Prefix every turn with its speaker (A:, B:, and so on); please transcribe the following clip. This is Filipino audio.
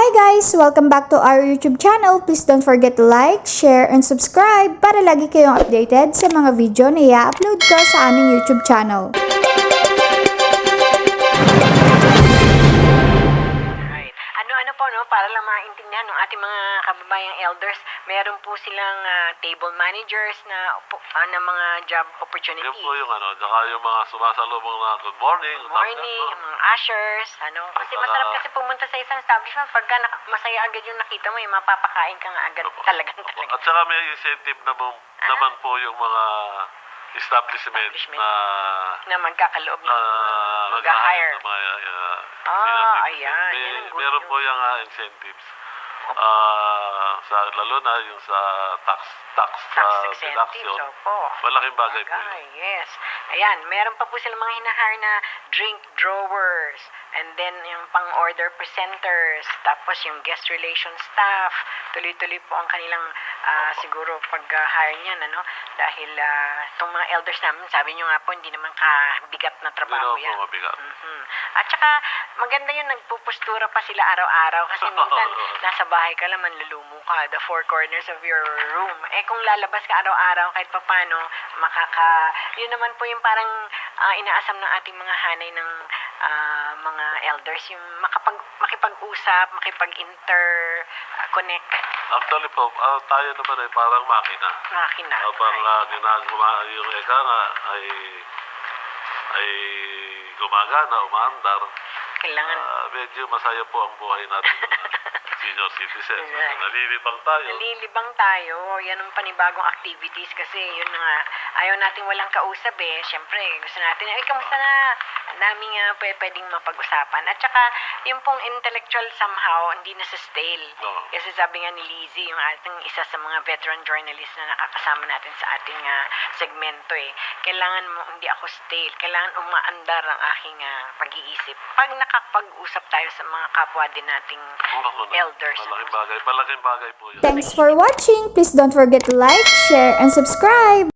A: Hi guys! Welcome back to our YouTube channel. Please don't forget to like, share, and subscribe para lagi kayong updated sa mga video na i-upload ko sa aming YouTube channel.
B: Right. Ano po, no, para lang maintindihan ng ating mga kababayang elders, meron po silang table managers na mga job opportunity.
C: Yun po yung saka yung mga sumasalubong na good morning.
B: Good morning, mga ushers, kasi masarap kasi pumunta sa isang establishment pagka masaya agad yung nakita mo, yung mapapakain ka nga agad talaga.
C: At saka may incentive naman po yung mga establishment
B: na magkakaloob ng mag-hire. Ayan.
C: Meron po yung incentives. Lalo na yung sa tax deduction. Malaking bagay po yun.
B: Yes. Ayan, meron pa po silang mga hinahire na drink drawers, and then yung pang-order presenters, tapos yung guest relation staff. Tuloy-tuloy po ang kanilang siguro pag-hire niyan, dahil itong mga elders namin, sabi nyo nga po, hindi naman kabigat na trabaho yan.
C: Hindi naman po mabigat.
B: At saka, maganda yun, nagpupustura pa sila araw-araw kasi minsan nasa bahay ka lang, manlulumo ka, the four corners of your room. Kung lalabas ka araw-araw, kahit papano, yun naman po yung parang inaasam ng ating mga hanay ng mga elders, yung makipag-usap, makipag-interconnect.
C: Actually po, tayo naman ay parang makina. Habang ginagawa yung eka nga ay gumagana, umaandar.
B: Kailangan.
C: Medyo masaya po ang buhay natin senior citizens. Nalilibang tayo. Yan ang panibagong activities kasi yun nga, ayaw natin walang kausap Siyempre, gusto natin, kamusta na? Ang daming pwedeng mapag-usapan. At saka, yung pong intellectual somehow, hindi na sa stale. Kasi sabi nga ni Lizzie, yung ating isa sa mga veteran journalist na nakakasama natin sa ating segmento kailangan mo, hindi ako stale. Kailangan umaandar ang aking pag-iisip. Pag nakapag-usap tayo sa mga kapwa din nating elders. Malaking bagay po yun.
A: Thanks for watching! Please don't forget to like, share, and subscribe!